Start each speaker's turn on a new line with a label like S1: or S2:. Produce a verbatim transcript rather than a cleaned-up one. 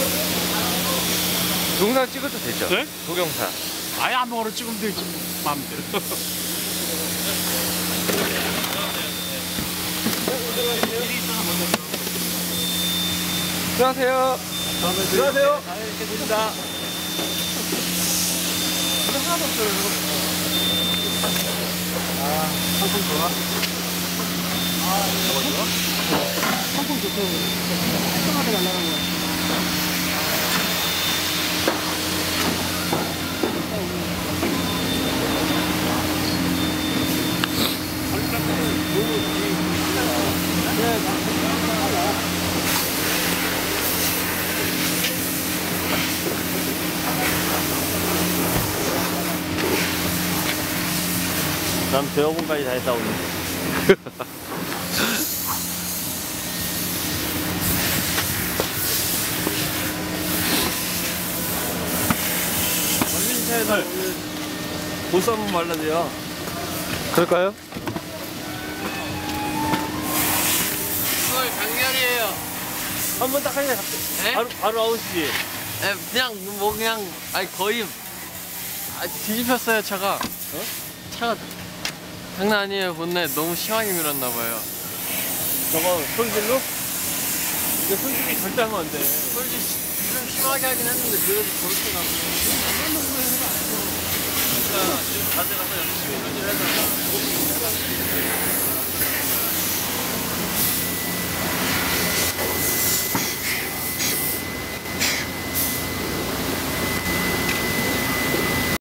S1: 동영상 찍어도 되죠?
S2: 네?
S1: 동영상.
S2: 아예 아무거나 찍으면 되지. 마음대로.
S1: 들어가세요. 들어가세요.
S2: 잘 있겠습니다. 하나도 없어요. 아, 상품 좋아? 아, 이거 좋아? 상품 좋다고. 깔끔하게 날라가는 거야.
S3: 난 대여분까지 다 했다 오늘. 원민차에서 오늘 보스 한번 말라줘요.
S1: 그럴까요?
S4: 오늘 강렬이에요.
S3: 한번 딱 하니까
S4: 네?
S3: 바로 바로 아웃이지.
S4: 네, 그냥 뭐 그냥 아니 거의 아, 뒤집혔어요 차가. 어? 차가 장난 아니에요. 본넷 너무 심하게 밀었나 봐요.
S3: 저거 손질로? 이거 손질이 절대 하면 안 돼.
S4: 솔직히 좀 심하게 하긴 했는데 그래도 저렇게 나고.
S3: 진짜 지금 가져가서 열심히 손질해서.